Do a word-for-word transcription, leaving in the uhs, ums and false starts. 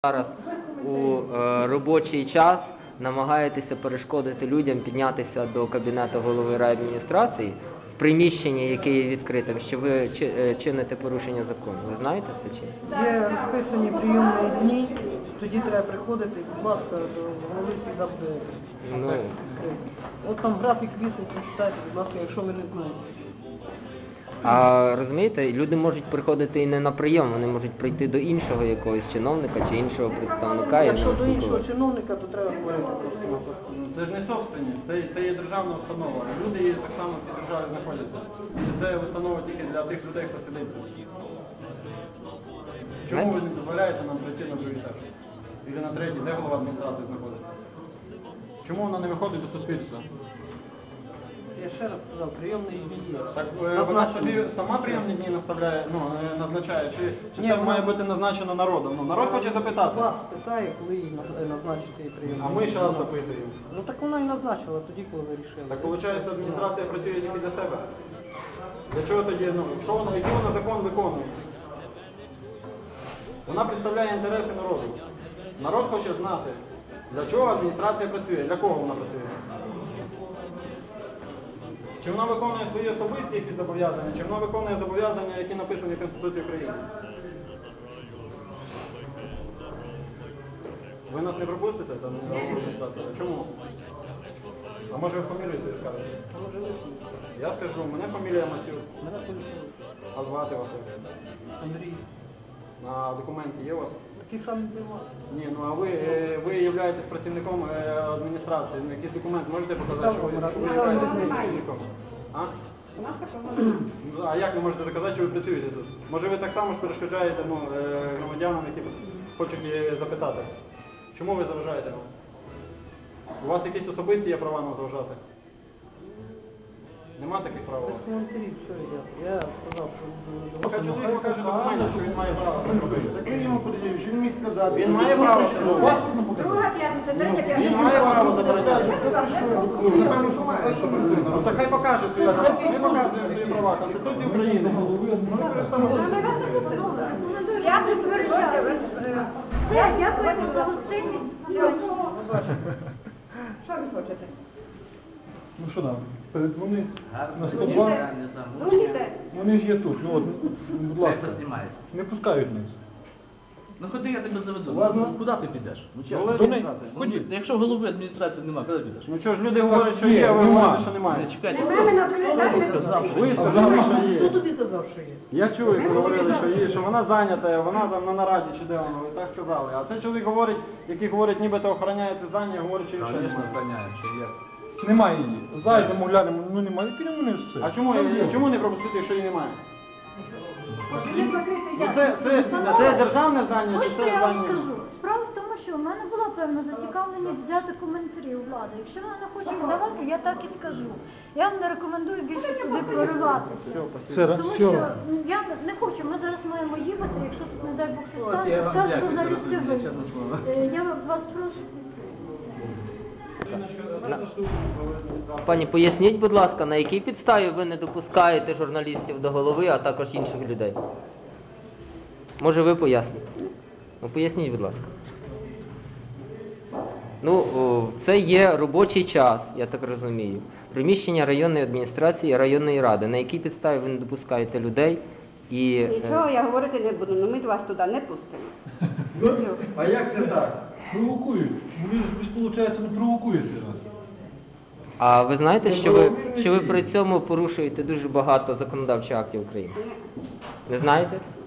Зараз у е, робочий час намагаєтеся перешкодити людям піднятися до кабінету голови райадміністрації в приміщенні, яке є відкритим, що ви чи, е, чините порушення закону. Ви знаєте це чи? Є розписані прийомні дні, тоді треба приходити, будь ласка, до голови завжди Ну. відкрити. От там графік вісить, прочитайте, будь ласка, якщо ви не знаєте. А розумієте, люди можуть приходити і не на прийом, вони можуть прийти до іншого якогось чиновника чи іншого представника. Якщо до іншого чиновника, то треба говорити просто. Це ж не собственність, це, це є державна установа. Люди є так само в цій державі знаходяться. І це установа тільки для тих людей, хто сидить. Чому ви не дозволяєте нам прийти на другий етаж? Или на третій, де голова адміністрації знаходиться? Чому вона не виходить до суспільства? Я ще раз сказав, прийомні дні є. Так е, вона собі сама прийомні дні наставляє, ну, е, назначає, чи, чи Ні, це вона- має бути назначено народом? Ну, народ хоче запитати. Вас питає, коли їй наз- назначити прийомні А ми дні. зараз запитуємо. Ну так вона і назначила тоді, коли ви рішили. Так виходить, адміністрація працює тільки для себе. Для чого тоді, ну, що вона, який вона закон виконує? Вона представляє інтереси народу. Народ хоче знати, для чого адміністрація працює, для кого вона працює. Чи вона виконує свої особисті якісь зобов'язання, чи вона виконує зобов'язання, які написані в Конституції України. Ви нас не пропустите там на адміністрацію? Чому? А може ви фамілію свою скажете? А може ви? Я скажу, мене фамілія Матюк, Мене поліція. а звати вас як? Андрій. На документі є у вас? Такий самий буває. Ні, ну а ви, е, ви являєтесь працівником е, адміністрації, ну, якийсь документ можете показати, що ви, що ви являєтесь працівником? А? Ну, а як ви можете доказати, що ви працюєте тут? Може ви так само ж перешкоджаєте ну, е, громадянам, які хочуть е, запитати? Чому ви заважаєте нам? У вас якісь особисті є права нам заважати? Нема таких прав у вас? Коментарі, все, я, я сказав, що... Хай чоловік покаже документи, що він має право це робити. Так він йому подивив, що він міг сказати. Він має право це робити. Друга п'ятниця, третя п'ятниця. Він має право забороняти. Ну, напевно, що має, що працює. Ну так хай покаже свої права. Ми показуємо свої права. Конституція України. Ми використовуємо. Я не сперечаю. Все, дякуємо за гостинність. Що ви хочете? Ну що нам, передзвони на сто два. Дзвоните. Вони ж є тут, ну от, будь ласка, не пускають нас. Ну ходи, я тебе заведу. Ладно. Ну, куди ти підеш? Ну, чесно. Голови До неї. адміністрації. Ходіть. Ну, якщо голови адміністрації немає, куди підеш? Ну що ж, люди говорять, що є, а ви Нема. говорите, що Не немає. чекайте. Мене на приїжджати. Сказав, що Ви є. сказали, що Хто є. тобі казав, що є? Я чую, як ви говорили, що є, що вона зайнята, вона там на нараді чи де вона, ви так сказали. А цей чоловік говорить, який говорить, нібито охороняє це здання, говорить, що є ще Звісно, немає. охороняє, що є. Немає її. Зайдемо, глянемо, ну немає, підемо вниз все. А чому, чому не пропустити, якщо її немає? Він закритий, Ну я. це, це, це державне здання чи Ось це що я вам здання? скажу. Справа в тому, що в мене була певна зацікавленість взяти коментарі у влади. Якщо вона не хоче їх давати, я так і скажу. Я вам не рекомендую більше сюди прориватися. Все, Тому все. що м, я не хочу, ми зараз маємо їхати, якщо тут, не дай Бог, щось От, я станеться, вам скажете, дякую за залізти ви. розуміння, чесне слово. Е, Я вас прошу. Пані, поясніть, будь ласка, на якій підставі ви не допускаєте журналістів до голови, а також інших людей? Може ви поясните? Ну поясніть, будь ласка. Ну, о, це є робочий час, я так розумію. Приміщення районної адміністрації, районної ради. На якій підставі ви не допускаєте людей і... е, Нічого я говорити не буду, але ми вас туди не пустимо. А як це так? Провокують. Ви ж, ви ж, виходить, не провокуєте нас. А ви знаєте, що ви, що ви при цьому порушуєте дуже багато законодавчих актів України? Не знаєте?